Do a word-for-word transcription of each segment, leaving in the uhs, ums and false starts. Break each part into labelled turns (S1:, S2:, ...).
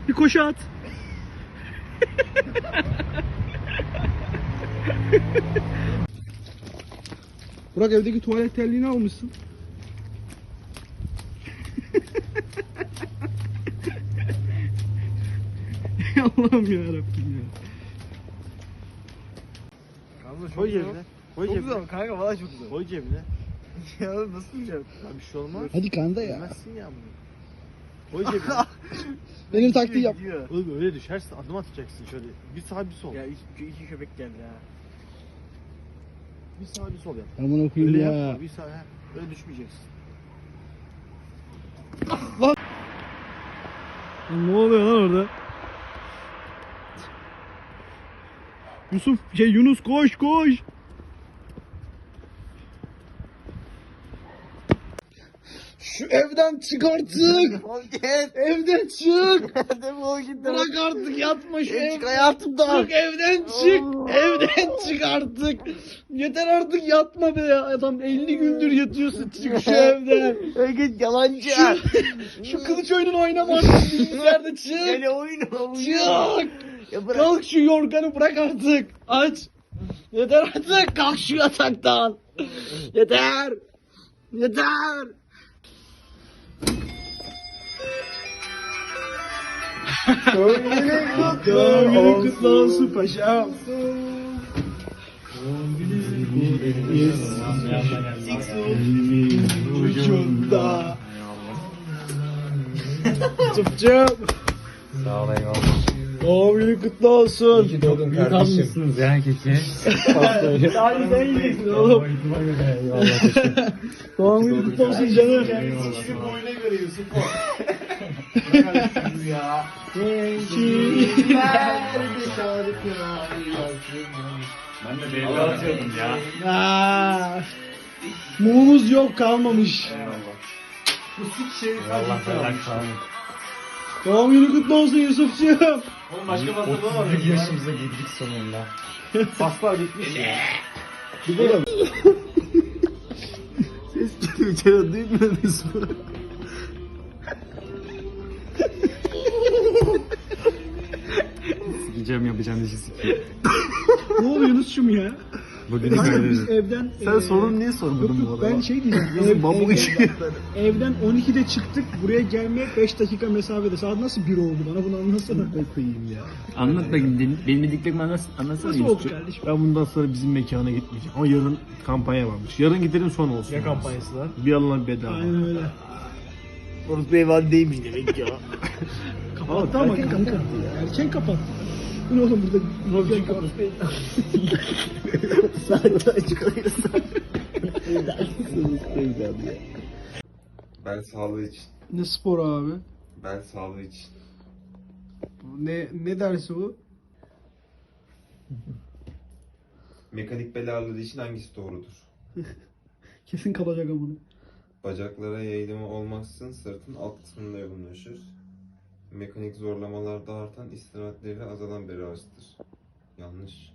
S1: Bir koşu at. Burak evdeki tuvalet terliğini almışsın. Allah'ım yarabbim ya.
S2: Kanka
S3: Koy cebine. Koy
S2: Çok
S3: cebine.
S2: güzel kanka valla çok güzel.
S3: Koy cebine.
S2: Ya nasıl yiyeceğim?
S3: Ya bir şey olmaz.
S1: Hadi kanda ya.
S3: Yemezsin ya bunu. Koy cebine.
S1: Benim taktiği yap.
S2: Gidiyor.
S3: Oğlum öyle düşersin adım atacaksın şöyle. Bir sağ bir sol.
S2: Ya iki, iki köpek geldi ha.
S3: Bir sağ bir sol yap.
S1: Ben bunu okuyayım
S3: Öyle
S1: ya.
S3: yapma. Bir sağ ha. Öyle düşmeyeceksin.
S1: Ne oluyor lan orada? Yusuf şey Yunus koş koş. Şu evden çık artık.
S2: Defol git.
S1: Evden çık.
S2: Defol git.
S1: Bırak artık yatma şu
S2: Çık
S1: evden.
S2: hayatımdan.
S1: Çık evden çık. Evden çık artık. Yeter artık yatma be ya. Adam elli gündür yatıyorsun. Çık şu evden.
S2: Öyle git yalancı.
S1: Şu, şu kılıç oyununu oynama artık bilgisayarda çık.
S2: Gel oyna oyna.
S1: Çık.
S2: Ya bırak.
S1: Kalk şu yorganı bırak artık. Aç. Yeter artık. Kalk şu yataktan. Yeter. Yeter. Doğum günün kutlu olsun paşam. Ucunda. Çıp çıp.
S4: Sağ ol eyvallah.
S1: Doğum günün kutlu olsun.
S4: İyi ki doğdun kardeşim. Ya keçi.
S1: Hadi sen yiyeceksin oğlum.
S4: Eyvallah teşekkür.
S1: Doğum günün kutlu olsun canım.
S2: Boyuna göre Yusuf o. ya.
S4: Ben de belli atıyordum ya.
S1: Aa, mumumuz yok kalmamış.
S2: Bu sik şey
S4: Allah benden kalmış.
S1: Doğum günün kutlu olsun Yusufcuğum.
S2: Oğlum başka fazla var.
S4: otuz bir yaşımıza girdik sonunda.
S2: Paslar bitmiş ya.
S3: Ses geliyor içeri duymuyorsunuz mu?
S4: Sikeceğim yapacağım işi sikeyim.
S1: Ne oluyor Yunus'cum ya?
S4: Bugünü
S1: Kanka biz
S4: kaydedin.
S1: evden...
S3: Sen
S1: eee,
S3: sorun niye
S1: Yok
S3: sormadın bu
S1: yok
S3: arada?
S1: ben şey diyeceğim.
S3: Nasıl
S1: ev-
S3: bambu
S1: ev-
S3: içiyor?
S1: Evden on ikide çıktık. Buraya gelmeye beş dakika mesafede. Saat nasıl bir oldu bana bunu anlatsana.
S3: Ne koyayım ya.
S4: Anlat bakayım. din- Benim dediklerimi anlat, anlatsana
S1: Nasıl oldu
S4: Yusuf'cum.
S1: kardeşim?
S3: Ben bundan sonra bizim mekana gitmeyeceğim. Ama yarın kampanya varmış. Yarın gidelim son olsun.
S2: Ne kampanyası lan?
S3: Bir alınan bedava.
S1: Aynen öyle.
S2: Orası beyefendiymiş demek ya.
S1: Kapattı ama kanka. Erken kapattı. Bu ne oğlum burada? Robin kapattı.
S2: Saatte açık oluyorsa.
S5: Ben sağlığı için.
S1: Ne spor abi?
S5: Ben sağlığı için.
S1: Ne ne dersi bu?
S5: Mekanik bel ağrıları için hangisi doğrudur?
S1: Kesin kalacak ama bunu.
S5: Bacaklara yayılımı olmaksızın sırtın alt kısmında yoğunlaşır. Mekanik zorlamalarda artan istirahatleriyle azalan bel ağrısıdır. Yanlış.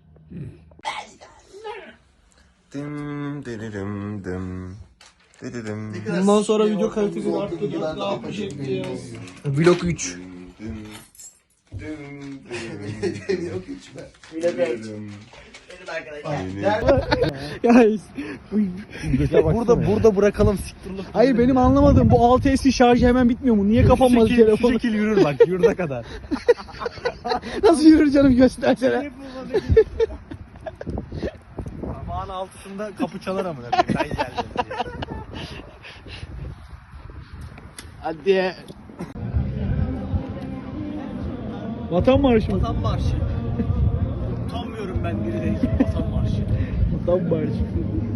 S5: Dım diririm dım. Diririm.
S1: Bundan sonra video kalitesini arttıracağız. Ne yapacak ya?
S2: Blok üç.
S5: Dım. Dım diririm.
S2: Blok üç be.
S5: Diririm.
S2: Benim
S1: Guys.
S2: Burada burada bırakalım siktirlik.
S1: Hayır benim anlamadığım bu altı S şarjı hemen bitmiyor mu? Niye kapanmadı telefon?
S2: Şu şekil yürür bak yurda kadar.
S1: Nasıl yürür canım göstersene.
S2: Aman altısında kapı çalar amına koyayım. Ben geldim diye.
S1: Hadi. Vatan marşı mı?
S2: Vatan marşı. Utanmıyorum ben biri değil. Vatan marşı.
S1: Vatan marşı.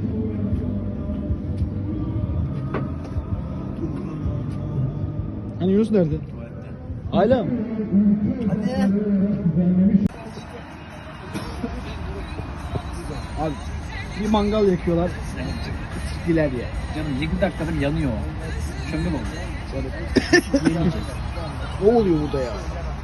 S1: Hani Yunus nerede? Hala mı?
S2: Hadi.
S1: Abi bir mangal yakıyorlar. Siktiler ya.
S4: Canım yirmi dakikadır yanıyor. Kömür oldu.
S1: Ne oluyor burada ya?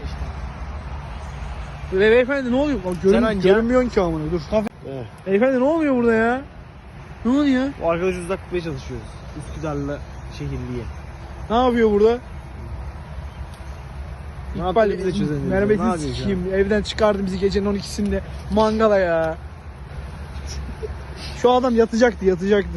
S1: Be beyefendi ne oluyor? Bak, görün,
S2: hangi
S1: görünmüyorsun ki amına dur. Beyefendi ne oluyor burada ya? Ne oluyor?
S2: Bu arkadaşı uzak tutmaya çalışıyoruz. Üsküdar'la şehirliye.
S1: Ne yapıyor burada? İkbal
S6: yaptığını bize çözemiyoruz. Ne
S1: merhametini
S6: yapıyoruz
S1: sikeyim. Evden çıkardı bizi gecenin on ikisinde mangala ya. Şu adam yatacaktı yatacaktı.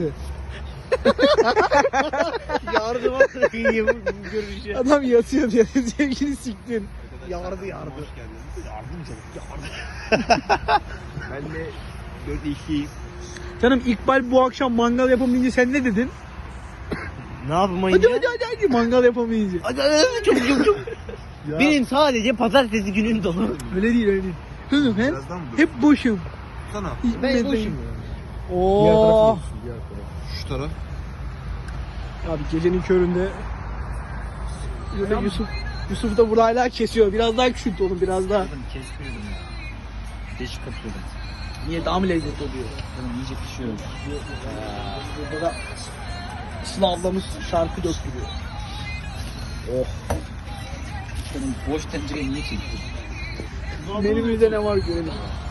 S6: Yardıma kıyım görüşü.
S1: Adam yatıyor diye sevgili siktin.
S6: Yardı yardı. Yardım canım. Ben de dört iki.
S1: Canım İkbal bu akşam mangal yapamayınca sen ne dedin?
S6: Ne yapamayınca?
S1: Hadi hadi hadi hadi mangal yapamayınca.
S6: Hadi hadi çok çok çok. Benim sadece pazartesi günün dolu.
S1: Öyle değil öyle değil. Kızım hem
S5: Birazdan mı?
S1: hep boşum.
S5: Sana.
S6: Ben boşum.
S1: Oo.
S5: Şu taraf.
S1: Abi gecenin köründe Yusuf Yusuf da burada hala kesiyor. Biraz daha küçült oğlum biraz daha.
S4: Kesmiyordum ya. Değişik kapıyordum.
S1: Niye daha mı lezzetli oluyor?
S4: Canım iyice pişiyor.
S1: Burada da Sıla ablamız şarkı döktürüyor.
S4: Canım boş tencereyi niye çektin?
S1: Menümüzde ne var görelim.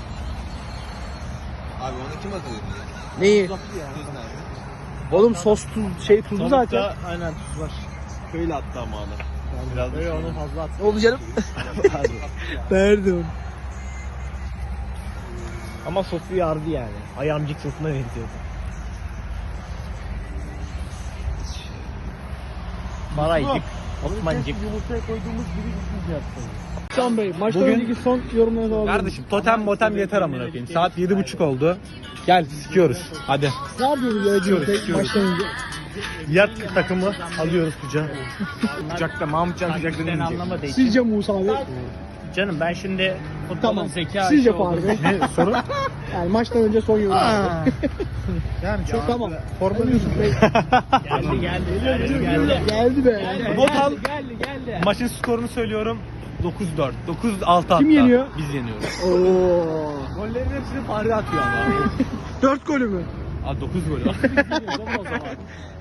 S5: Abi onu kim atıyor?
S1: Neyi?
S5: Tuz nerede?
S1: Oğlum sos tuz şey tuzlu zaten.
S6: Aynen tuz var. Şöyle attı ama adam. Biraz da onu fazla attı.
S1: Ne oldu canım? Pardon.
S6: Ama sosu yardı yani. Ayamcık sosuna benziyordu. Maraycık, Osmancık. Yumurtaya koyduğumuz gibi üçüncü yaptı.
S1: Can Bey maçtan
S2: Bugün-
S1: önceki son yorumlarınızı alalım.
S2: Kardeşim totem motem yeter amına koyayım. Saat yedi buçuk oldu. Gel sikiyoruz. Hadi.
S1: Ne yapıyoruz ya
S2: Sikiyoruz,
S1: Cenk
S2: sikiyoruz.
S1: maçtan önce?
S2: Yat takımı alıyoruz kucağa. Kucakta Mahmutcan kucakta
S4: Sen
S2: deneyecek.
S4: anlamadığı için.
S1: Sizce Musa abi?
S2: Canım ben şimdi
S4: Futbolun
S1: Tamam.
S4: zeka
S1: Sizce
S4: işi oldu.
S1: Fahri Bey?
S2: ne soru?
S1: Yani maçtan önce son yorum.
S2: Yani çok
S1: Tamam.
S2: formal
S1: Yusuf Bey.
S4: Geldi geldi geldi geldi.
S1: Geldi be.
S2: Not al.
S4: Geldi geldi.
S2: Maçın skorunu söylüyorum. dokuz dört. dokuz altı hatta.
S1: Kim yeniyor?
S2: Biz yeniyoruz.
S1: Oo.
S2: Gollerin hepsini Fahri atıyor ama.
S1: Dört golü mü?
S2: Aa dokuz gol. Biz yeniyoruz ama o zaman.